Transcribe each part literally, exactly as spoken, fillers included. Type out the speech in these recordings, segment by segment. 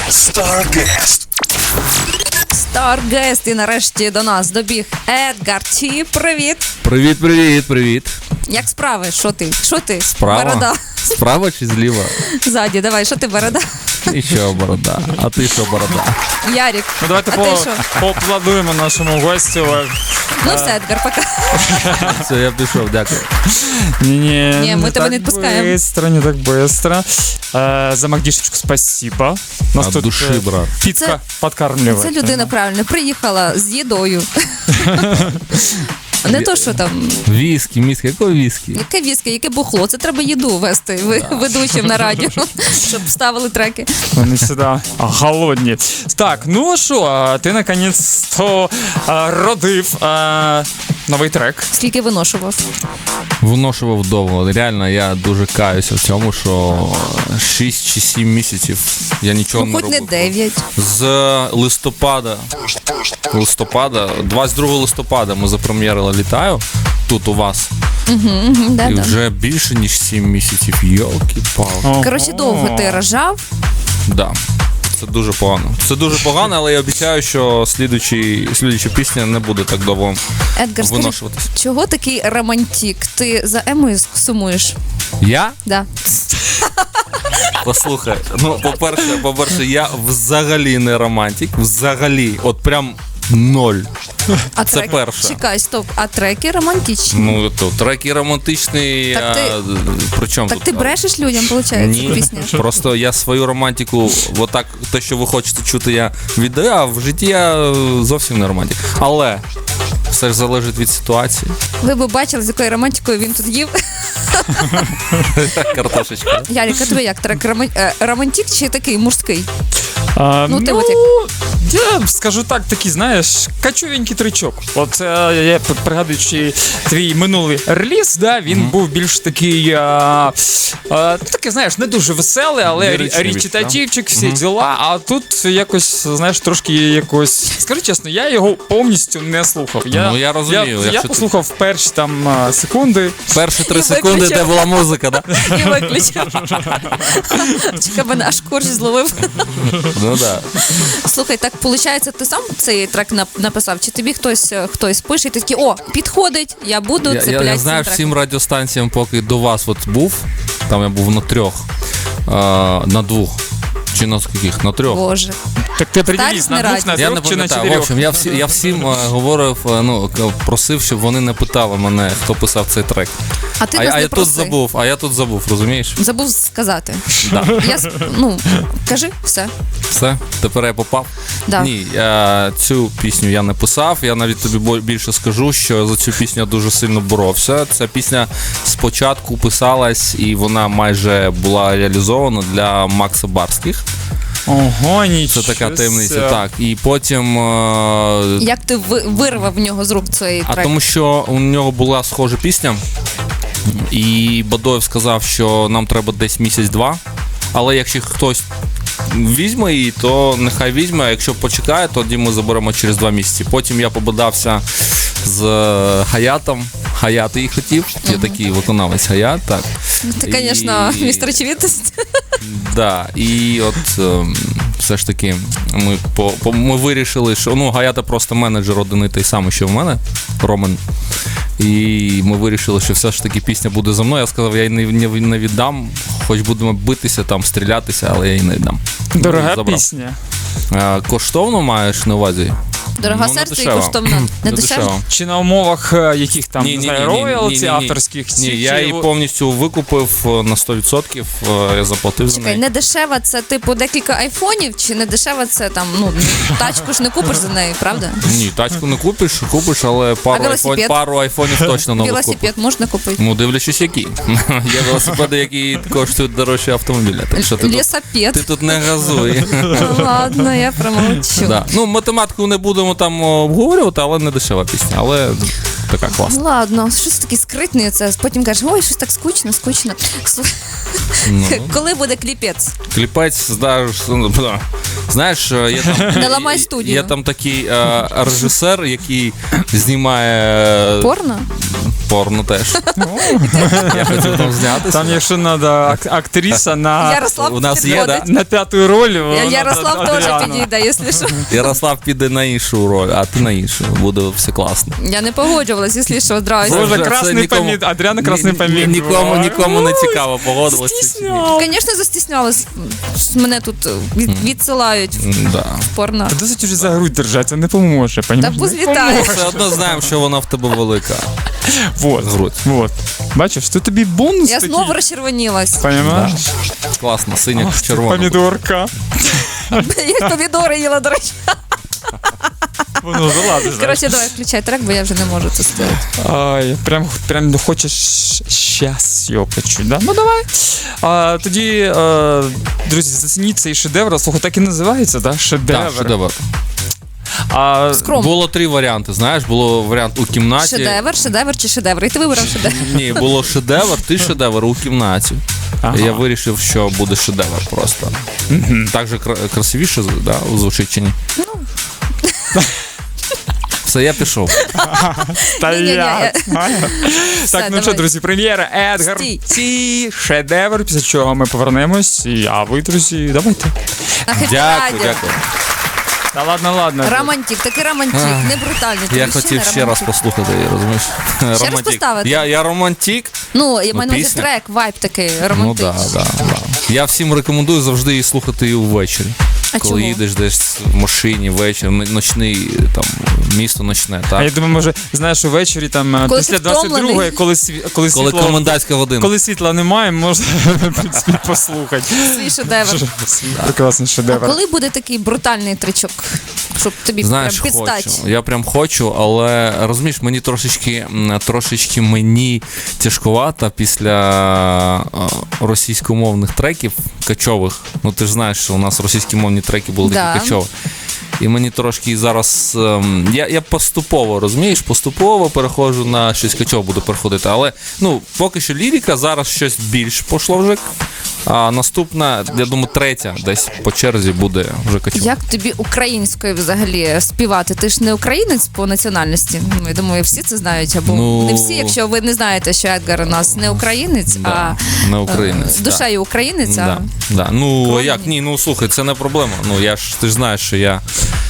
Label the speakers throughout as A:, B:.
A: Starguest.
B: Starguest, і нарешті до нас добіг Едгар Ті. Привіт.
C: Привіт, привіт, привіт.
B: Як справи? Що ти? Що ти?
C: Справа?
B: Борода.
C: Справа чи зліва?
B: Ззаді, давай, що ти, борода?
C: І що борода? А ти що борода?
B: Ярік,
D: Ну, давайте
B: а
D: по,
B: ти що?
D: поаплодуємо нашому гостю.
B: Ну все, Едгар, пока.
C: Все, я пішов, дякую.
D: Не-не,
B: Не, мы тебя не отпускаем.
D: Быстро, не так быстро. Э, за Магдишечку спасибо. Нас
C: От
D: тут
C: душі,
D: э,
C: брат.
D: піцка
B: Це-
D: подкармливает.
B: Це людина правильно приїхала з їдою. Не то, що там,
C: Віскі, міскі, якої віскі?
B: яке віскі, яке бухло. Це треба їду вести ви- ведучим на радіо, щоб ставили треки.
D: Вони сюди голодні. Так, ну що, ти наконець-то а, родив а, новий трек.
B: Скільки виношував?
C: Виношував довго. Реально, я дуже каюся в цьому, що шість чи сім місяців я нічого
B: Ну,
C: не
B: хоч не
C: робив.
B: дев'ять.
C: З листопада, листопада, двадцять другого листопада ми запрем'єрили «Літаю» тут у вас.
B: Мгм,
C: І
B: да-да.
C: вже більше, ніж сім місяців. Йолки-палки.
B: Коротше, довго ти рожав.
C: Да. Це дуже погано. Це дуже погано, але я обіцяю, що слідуючий, слідуюча пісня не буде так довго
B: Едгар, скажи,
C: виношуватись.
B: чого такий романтик? Ти за Емою сумуєш?
C: Я?
B: Да.
C: Послухай, ну, по-перше, по-перше, я взагалі не романтик, взагалі, от прям ноль.
B: А
C: Це
B: трек...
C: перше.
B: Чекай, стоп. А треки романтичні.
C: Ну, то треки романтичні,
B: Так ти-
C: а, при чому
B: так
C: тут?
B: ти брешеш людям, виходить,
C: Ні,
B: пісня?
C: просто я свою романтику, отак, те, що ви хочете чути, я віддаю, а в житті я е, зовсім не романтик. Але все ж залежить від ситуації.
B: Ви б бачили, з якою романтикою він тут їв.
C: Картошечка.
B: Ярик, а тебе як? Трек рома- е, романтик чи такий мужський?
D: А,
B: Ну,
D: ну,
B: ти от
D: я скажу так, такий, знаєш, качовенький тричок. От е, я п- пригадуючи твій минулий реліз, да, він
C: Мгм.
D: був більш такий, а, а, ну, такий, знаєш, не дуже веселий, але
C: Ліричний більш,
D: речитативчик, всі
C: Мгм.
D: діла. А тут якось, знаєш, трошки якось. Скажу чесно, я його повністю не слухав. Я,
C: Ну, я розумію,
D: Я, я
C: якщо
D: послухав перші там а, секунди.
C: Перші три
B: І
C: секунди,
B: виключив.
C: де була музика, да?
B: І виключив. Чекай, мене аж корж зловив.
C: Ну да.
B: Слухай, так виходить, ти сам цей трек нап- написав? Чи тобі хтось е, хтось пише, і ти такий, о, підходить, я буду
C: Я,
B: цепляти
C: я, я знаю
B: цим
C: всім
B: треком.
C: радіостанціям, поки до вас от був, там я був на трьох, а, на двох, чи на скільких? На трьох.
B: Боже.
D: Так ти приділись на
B: Старість
D: двох, на
B: не
C: Я не
D: трьох чи на
C: пам'ятаю. В
D: чотирьох?
C: общем, я, всі, я всім е, говорив, е, ну, к- просив, щоб вони не питали мене, хто писав цей трек.
B: А ти
C: А,
B: нас
C: а
B: не
C: я тут
B: проси.
C: забув, а я тут забув, розумієш?
B: Забув сказати.
C: Да.
B: Я, с- ну, кажи, все.
C: Все, тепер я попав.
B: Да.
C: Ні, е, цю пісню я не писав. Я навіть тобі бо- більше скажу, що за цю пісню я дуже сильно боровся. Ця пісня спочатку писалась і вона майже була реалізована для Макса Барських.
D: Ого,
C: Це
D: нічого.
C: така таємниця.
D: ся.
C: Так. І потім. е,
B: Як ти ви- вирвав в нього з рук цей
C: А
B: трек?
C: тому що у нього була схожа пісня, і Бадоєв сказав, що нам треба десь місяць-два. Але якщо хтось візьме її, то нехай візьме, а якщо почекає, тоді ми заберемо через два місяці. Потім я побадався з Хаятом. Хаят її хотів. Є такий виконавець Хаят, так.
B: Ти,
C: І-
B: звісно, містер очевидність.
C: Да, і от ем, все ж таки ми, по, по, ми вирішили, що ну, Гаята просто менеджер один і той самий, що в мене, Роман. І ми вирішили, що все ж таки пісня буде за мною. Я сказав, я її не, не, не віддам, хоч будемо битися, там, стрілятися, але я її не віддам.
D: Дорога
C: Забрав.
D: пісня.
C: А, коштовно маєш на увазі?
B: Дорога
C: Ну, не
B: серце і
C: дешево.
B: коштовно. Не
C: Не
B: дешево?
C: дешево.
D: Чи на умовах е, яких там, не знаю, роялті авторських?
C: Ні,
D: чи-
C: я
D: чи
C: її
D: ви-
C: повністю викупив е, на сто відсотків, е, я заплатив за
B: Чекай,
C: неї.
B: не дешева це типу декілька айфонів, чи не дешева це там, ну, тачку ж не купиш за неї, правда?
C: Ні, тачку не купиш, купиш, але пару,
B: велосипед?
C: айфон, пару айфонів точно нових купиш.
B: Велосипед можна купити.
C: Ну, дивлячись, які. Є велосипеди, які коштують дорожче автомобіля. Так що ти тут, ти
B: Лісопед.
C: тут не газуй.
B: Ладно, я промовчу.
C: Да. Ну, математику не будемо там обговорювати, але не дешева пісня. Але така класна.
B: Ладно, що це такий скритний це? Потім кажеш, ой, щось так скучно, скучно. Слухай,
C: Ну,
B: коли буде кліпець?
C: кліпець, знаєш, ну, да. знаєш, є там,
B: Не ламай студію.
C: є там такий е, режисер, який знімає
B: Порно?
C: Порно теж. Я хотів там знятися.
D: Там, якщо треба ак- актриса на,
B: Ярослав
C: У нас є,
B: підходить.
C: да?
D: на п'яту роль,
B: Я-
D: вона
B: Ярослав теж
D: Адріана.
B: підійде, якщо що.
C: Ярослав піде на іншу роль, а ти на іншу. Буде все класно.
B: Я не погоджувалась, якщо що, здрасте.
D: Боже,
C: Вже це
D: красний
C: нікому-
D: помід, Адріана красний
C: Ні- ні-
D: помід.
C: Нікому,
D: Ой,
C: нікому не
D: ой,
C: цікаво, погодилася.
D: стісняв.
B: Звісно, застіснялась. Мене тут від, відсилають в
C: Да.
B: порно.
D: Та досить уже за грудь держати, це не поможе,
B: Та
D: понімаєш?
B: позлітає.
C: Все одно знаємо, що вона в тебе велика.
D: Вот,
C: Грудь.
D: вот. Бачиш, тут тобі бонус
B: Я
D: такий.
B: знову розчервонілась.
D: Понимаєш?
C: Класно, синя
D: Ах, ти
C: червона.
D: помідорка.
B: Я помідори їла, до речі.
D: Воно залазить.
B: Коротше, давай включай трек, бо я вже не можу це сказати.
D: Ай, прям, прям хочеш щас його почути, да? Ну давай. А, тоді, а, друзі, зацініть цей шедевр. Слухай, так і називається, да? Шедевр.
C: Так, шедевр.
D: А,
B: Скромно.
C: Було три варіанти, знаєш, було варіант у кімнаті.
B: Шедевр, шедевр чи шедевр? І ти вибрав шедевр.
C: Ні, було шедевр, ти шедевр у кімнаті.
D: Ага.
C: Я вирішив, що буде шедевр просто. Так же кра- красивіше да, звучить чи ні?
B: Ну.
C: Все, я пішов.
D: Та
B: Ні-ні-ні,
D: я. Так, ну
B: давай.
D: що, друзі, прем'єра Едгар
B: Стій.
D: Ці шедевр, після чого ми повернемось. І, а ви, друзі, давайте.
B: На Хеппі
C: Дякую,
B: Радіо.
C: дякую.
D: Та ладно, ладно.
B: Романтик, такий романтик, не брутальний. ти
C: Я
B: мужчина,
C: хотів ще раз
B: романтик.
C: послухати, розумієш?
B: раз
C: Романтик.
B: поставити?
C: Я, я романтик.
B: Ну, я
C: Ну,
B: маю на увазі
C: пісня.
B: трек, вайб такий
C: Ну
B: романтичний.
C: да, да, да. Я всім рекомендую завжди її слухати її ввечері.
B: А
C: Коли
B: чому?
C: їдеш десь в машині ввечері, м- ночний, там, місто ночне,
D: А
C: так?
D: я думаю, може, знаєш, увечері там е,
B: Коли
D: після
B: ти втомлений.
D: двадцять другої, коли, сві... коли,
C: Коли
D: світло...
C: комендантська година.
D: коли світла немає, можна в принципі, послухати.
B: Свій шедевр.
D: Свій прекрасний
B: А
D: шедевр.
B: коли буде такий брутальний тричок, щоб тобі
C: Знаєш,
B: прям підстать?
C: хочу. Я прям хочу, але розумієш, мені трошечки, м, трошечки мені тяжкувато після е, російськомовних треків качових. Ну ти ж знаєш, що у нас російськомовні треки були
B: Да.
C: такі качові. І мені трошки зараз. ем, я, я поступово, розумієш, поступово переходжу на щось качове буду переходити. Але ну, поки що лірика, зараз щось більш пошло вже. А наступна, я думаю, третя десь по черзі буде вже качова.
B: Як тобі українською взагалі співати? Ти ж не українець по національності. Ну, я думаю, всі це знають. Або
C: Ну,
B: не всі, якщо ви не знаєте, що Едгар у нас не українець,
C: Да,
B: а
C: не українець,
B: е, душею українець. А...
C: Да, да. Ну
B: Крові
C: як
B: ні.
C: ні, ну слухай, це не проблема. Ну я ж ти ж знаєш, що я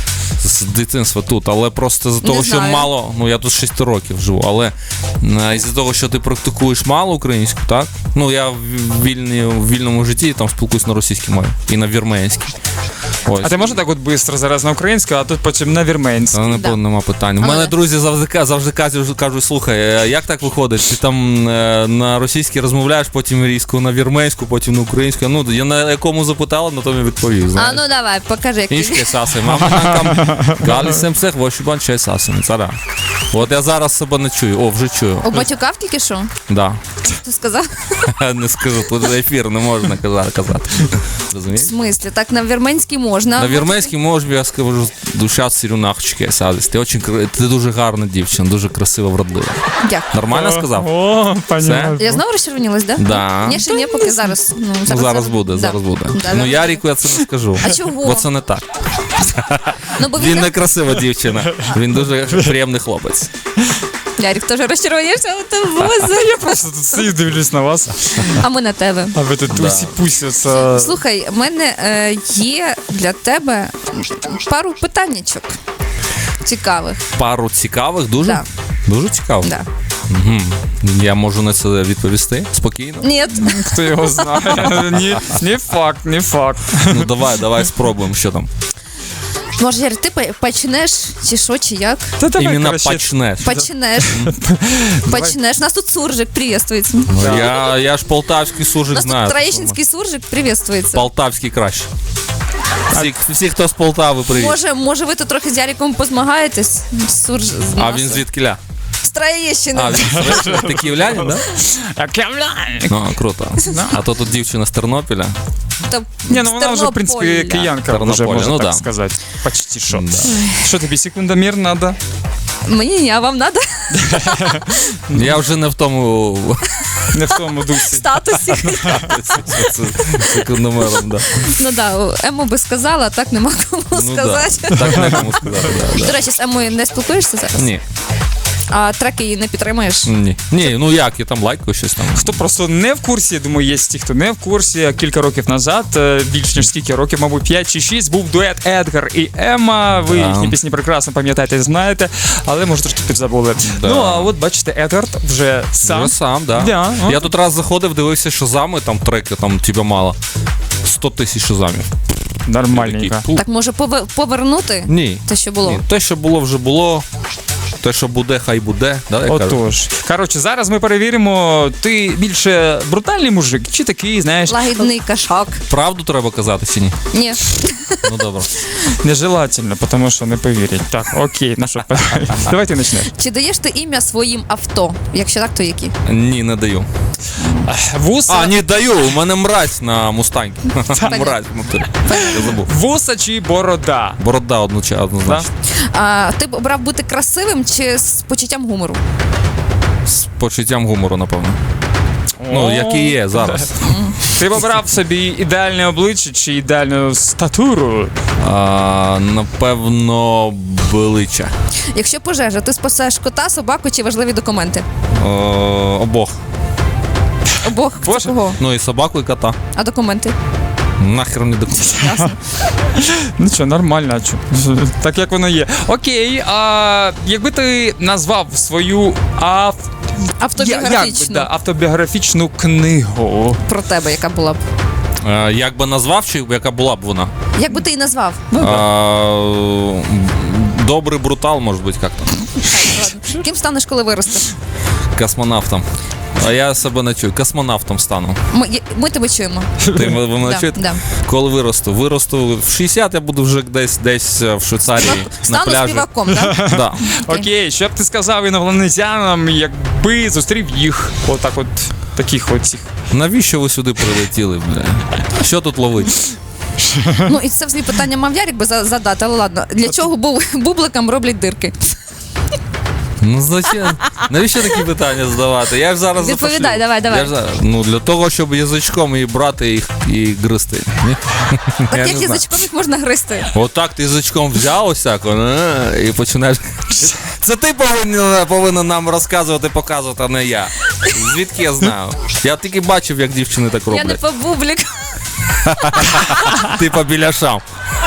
C: з дитинства тут, але просто з того, що
B: знаю.
C: мало, ну я тут шість років живу, але е, із-за того, що ти практикуєш мало українську, так? Ну я в вільні, в вільному житті там спілкуюсь на російській мові і на вірменській. Ось.
D: А ти можеш так от швидко зараз на українську, а тут потім на вірменську?
C: Та не
B: Да.
C: нема питань. У
B: Але-
C: мене друзі завжди ка- завжди кажуть, кажуть, слухай, е, як так виходить? Ти там е, на російській розмовляєш, потім різко на вірменську, потім на українську. Ну, я на якому запитала, на тому і відповів.
B: а
C: Знаєш.
B: ну давай, покажи, як
C: Ішки саси, мама там галі семсех, вошібан чай сасини, цара. От я зараз себе не чую, о, вже чую.
B: обатюкав тільки що?
C: Да.
B: Ти сказав?
C: Не скажу, тут ефір не можна казати. казати.
B: В
C: Розумієш?
B: смислі, так на вірменській можна.
C: На вірменській можу, я скажу, душа сірюнахчики садись. Ти, очень, кра- ти дуже гарна дівчина, дуже красива, вродлива.
B: Дякую.
C: Нормально сказав?
D: О, понятно.
B: Я знову розчервонілась, да?
C: Да.
B: Ні, ще ні, поки зараз. Ну,
C: Ну, зараз
B: це-
C: буде,
B: да.
C: зараз буде.
B: Да,
C: Ну
B: зараз
C: Ярику я це не скажу.
B: А чого?
C: Бо це не так.
B: Ну, бо
C: Він
B: він
C: не красива дівчина. Він дуже приємний хлопець.
B: Ярик теж розчервонівся, а ти боже.
D: Я просто тут стою, дивлюсь на вас,
B: А ми на тебе.
D: а ви тут
C: Да.
D: усі пусі. Це...
B: Слухай, в мене е, є для тебе пару питаннячок цікавих.
C: Пару цікавих, дуже?
B: Да.
C: Дуже цікаво.
B: Да.
C: Угу. Я можу на це відповісти спокійно.
B: Ні,
D: Хто його знає? Ні, не факт, не факт.
C: Ну давай, давай спробуємо, що там.
B: може, Ярик, ти по- почнеш, чи що, чи як?
D: Та давай,
C: Іменно
D: коротше,
C: почнеш.
B: Почнеш. Почнеш. Нас тут суржик приветствується.
C: Ну, я, я ж полтавський суржик
B: Нас
C: знаю.
B: тут троєщинський суржик приветствується.
C: Полтавський краще. Всі, всі, хто з Полтави, привіт.
B: Може, може, ви тут трохи з Яриком позмагаєтесь? Сурж... з
C: А
B: нас.
C: він звідкиля?
B: З Троєщини.
C: А, він ти київлянин, да?
D: А кемлян!
C: Ну, круто. А то тут дівчина з Тернопіля.
B: Та
D: Ні, ну
B: з
D: вона вже, в принципі,
B: Тернополя.
D: киянка,
C: Тернополя,
D: вже, можна
C: ну
D: так
C: да.
D: сказати. Почти що.
C: Да.
D: Що тобі, секундомір треба?
B: Мені ні, а вам треба
C: Я вже не в тому
D: Не в тому дусі.
B: статусі.
C: секундомером, да.
B: Ну да, Ему би сказала, а так нема кому
C: Ну, да.
B: сказати.
C: Так не кому сказати, да,
B: До
C: да.
B: речі, з Емою не спілкуєшся зараз?
C: Ні.
B: А треки її не підтримуєш?
C: Ні. Ні, ну як, я там лайкаю щось там.
D: Хто просто не в курсі, я думаю, є ті, хто не в курсі. Кілька років назад, е, більш ніж скільки років, мабуть, п'ять чи шість, був дует Едгар і Емма. Ви
C: Да.
D: їхні пісні прекрасно пам'ятаєте, знаєте, але може трошки підзабули.
C: Да.
D: Ну, а от бачите, Едгард вже сам.
C: Вже сам, да.
D: Да, ну.
C: Я тут раз заходив, дивився шазами, там треки, там тебе мало. сто тисяч шазамів.
D: Нормальненько.
C: Такий, пу.
B: Так може пове- повернути
C: Ні.
B: те, що було?
C: Ні. Те, що було, вже було. Те, що буде, хай буде. Да, я кажу?
D: Отож. Коротше, зараз ми перевіримо, ти більше брутальний мужик, чи такий, знаєш,
B: Лагідний кашак.
C: Правду треба казати чи ні?
B: Ні.
C: Ну добре.
D: нежелательно, тому що не повірять. Так, окей, ну що, давай ти почнеш.
B: Чи даєш ти ім'я своїм авто? Якщо так, то які?
C: Ні, не даю.
D: Вуса,
C: А, ні, даю. У мене мразь на мустангі. Мразь внутрі. Я забув.
D: вуса чи борода?
C: Борода одночасно,
D: Да?
C: однозначно.
B: А, ти б обрав бути красивим чи з почуттям гумору?
C: З почуттям гумору, напевно. Ну, як і є зараз.
D: Ти б обрав собі ідеальне обличчя чи ідеальну статуру?
C: А, напевно, велича.
B: Якщо пожежа, ти спасеш кота, собаку чи важливі документи?
C: О, обох.
B: Обох. Це
D: Боже.
B: кого?
C: Ну і собаку, і кота.
B: А документи?
C: Нахер не документи.
B: Ясно.
D: Ну що, нормально, а чо? Так як воно є. Окей, а якби ти назвав свою ав...
B: Автобіографічно.
D: Як би, да, автобіографічну книгу.
B: Про тебе, яка була б.
C: Е, Як би назвав, чи яка була б вона?
B: Як би ти її назвав?
C: А, Добрий брутал, може бути, як там.
B: Ладно. Ким станеш, коли виростеш?
C: Космонавтом. А я себе не чую. Космонавтом стану.
B: Ми, я- ми тебе чуємо.
C: Ти ви ви мене
B: Да,
C: чуєте?
B: да.
C: Коли виросту? Виросту в шістдесят, я буду вже десь десь в Швейцарії на
B: Стану
C: пляжі.
B: співаком, так?
C: Да.
D: Окей, що б ти сказав інопланетянам, якби зустрів їх отак от, таких от цих.
C: Навіщо ви сюди прилетіли, бля? Що тут ловить?
B: Ну і це взагалі питання мав Ярик би за- задати, але ладно. Для чого бу- бубликам роблять дирки?
C: Ну зачем? Навіщо такі питання задавати? Я ж зараз
B: Відповідай,
C: запошлю.
B: давай, давай.
C: Я ж зараз- Ну для того, щоб язичком її брати їх і гризти. Ні? Я
B: Так
C: не
B: як
C: знаю.
B: язичком їх можна гризти?
C: Отак ти язичком взяв ось так е, і починаєш. Це ти повинен, повинен нам розказувати, показувати, а не я. Звідки я знаю? Я тільки бачив, як дівчини так
B: Я не
C: роблять.
B: по бублик.
C: Ти по біляшам.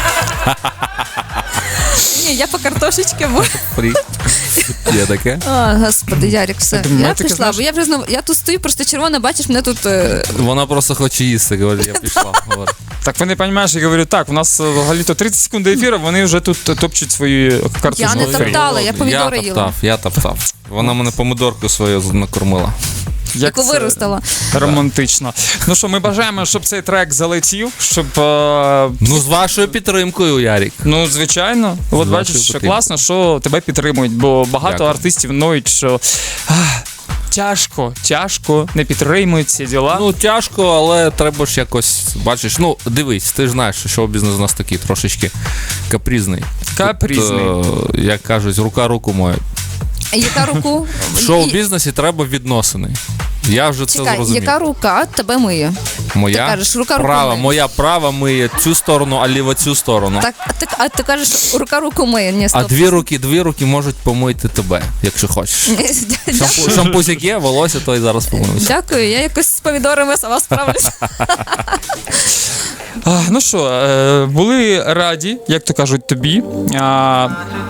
B: Ні, я по картошечки. бо-
C: Фрі. Є таке.
B: О, господи, Ярик, все.
D: думаю,
B: Я
D: ти
B: пішла,
D: знаєш-
B: бо я вже знову. Я тут стою, просто червона, бачиш, мене тут. е,
C: Вона просто хоче їсти, говорить, я пішла. Говорить.
D: Так вони розумієш, я говорю, так, у нас е, взагалі-то тридцять секунд до ефіру, вони вже тут е, топчуть свої картошки.
B: Я не топтала, я помідори
C: Я
B: їла.
C: топтав, я топтав. Вона мене помидорку свою накормила.
B: Яку
D: це
B: виростила.
D: Романтично. Ну що, ми бажаємо, щоб цей трек залетів, щоб. е,
C: Ну, з вашою підтримкою, Ярік.
D: Ну, звичайно. От
C: вашою
D: бачиш, що
C: підтримкою.
D: класно, що тебе підтримують, бо багато
C: Дякую.
D: артистів ноють, що ах, тяжко, тяжко, не підтримують ці діла.
C: Ну, тяжко, але треба ж якось, бачиш, ну, дивись, ти ж знаєш, що шоу-бізнес у нас такий трошечки капризний.
D: Капризний.
C: Тут, е, як кажуть, рука руку моє.
B: Яка руку?
C: В шоу-бізнесі треба відносини. Я вже це
B: Чекай,
C: зрозумів.
B: яка рука тебе миє?
C: Моя
B: ти кажеш, рука руку
C: права,
B: миє.
C: моя права миє цю сторону, а ліва цю сторону.
B: Так, а ти, а ти кажеш, рука руку миє. Ні,
C: А
B: стоп.
C: дві руки, дві руки можуть помити тебе, якщо хочеш. Шампу, шампусик є, волосся, то і зараз помиюся.
B: Дякую, я якось з помідорами сама справлюсь.
D: А, ну що, е, були раді, як то кажуть, тобі. А,